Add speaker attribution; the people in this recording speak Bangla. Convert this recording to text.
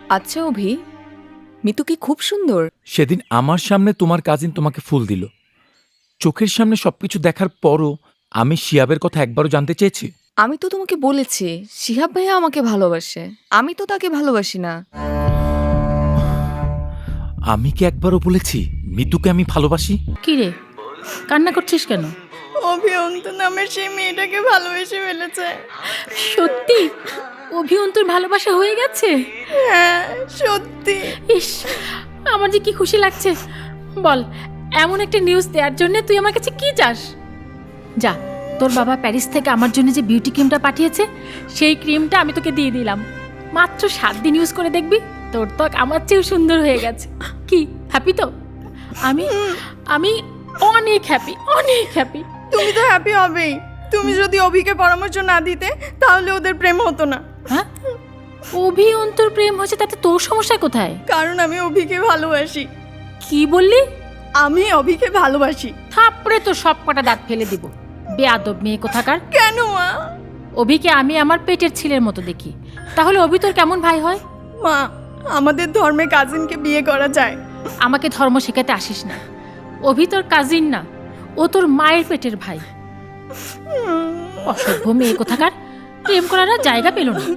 Speaker 1: আচ্ছা অভি, মিতু কি খুব সুন্দর?
Speaker 2: সেদিন আমার সামনে তোমার কাজিন তোমাকে ফুল দিল, চোখের সামনে সবকিছু দেখার পরও আমি শিয়াবের কথা একবারও জানতে চেয়েছি?
Speaker 1: আমি তো তোমাকে বলেছি শিহাব ভাইয়া আমাকে ভালোবাসে, আমি তো তাকে ভালোবাসি না।
Speaker 2: আমি কি একবারও বলেছি মিতুকে আমি ভালোবাসি?
Speaker 3: কি রে, কান্না করছিস কেন?
Speaker 4: অভিয়ন্ত নামের সেই মেয়েটাকে ভালোবেসে ফেলেছে।
Speaker 3: সত্যি অভিয়ন্তর ভালোবাসা হয়ে গেছে?
Speaker 4: হ্যাঁ সত্যি।
Speaker 3: ইস, আমার যে কি খুশি লাগছে। বল, এমন একটা নিউজ দেওয়ার জন্য তুই আমার কাছে কি চাস? যা, তোর বাবা প্যারিস থেকে আমার জন্য যে বিউটি ক্রিমটা পাঠিয়েছে সেই ক্রিমটা আমি তোকে দিয়ে দিলাম। মাত্র 7 দিন ইউজ করে দেখবি তোর ত্বক আমার চেয়েও সুন্দর হয়ে গেছে। কি হ্যাপি তো? আমি আমি অনেক হ্যাপি, অনেক হ্যাপি।
Speaker 4: তুমি তো হ্যাপি হবেই। তুমি যদি অভিকে পরামর্শ না দিতে তাহলে ওদের প্রেম হতো না।
Speaker 3: হ্যাঁ, অভি অন্তর প্রেম হয়েছে তাতে তোর সমস্যা কোথায়?
Speaker 4: কারণ আমি অভিকে ভালোবাসি।
Speaker 3: কি বললি?
Speaker 4: আমি অভিকে ভালোবাসি।
Speaker 3: থাপড়ে তো সব কটা দাঁত ফেলে দিব, বেয়াদব মেয়ে কোথাকার।
Speaker 4: কেন মা?
Speaker 3: অভিকে আমি আমার পেটের ছেলের মতো দেখি, তাহলে অভি তোর কেমন ভাই হয়?
Speaker 4: মা, আমাদের ধর্মে কাজিনকে বিয়ে করা যায়।
Speaker 3: আমাকে ধর্ম শেখাতে আসিস না। অভি তোর কাজিন না, ও তোর মায়ের পেটের ভাই। অসভ্য মেয়ে কোথাকার, প্রেম করার আর জায়গা পেল না।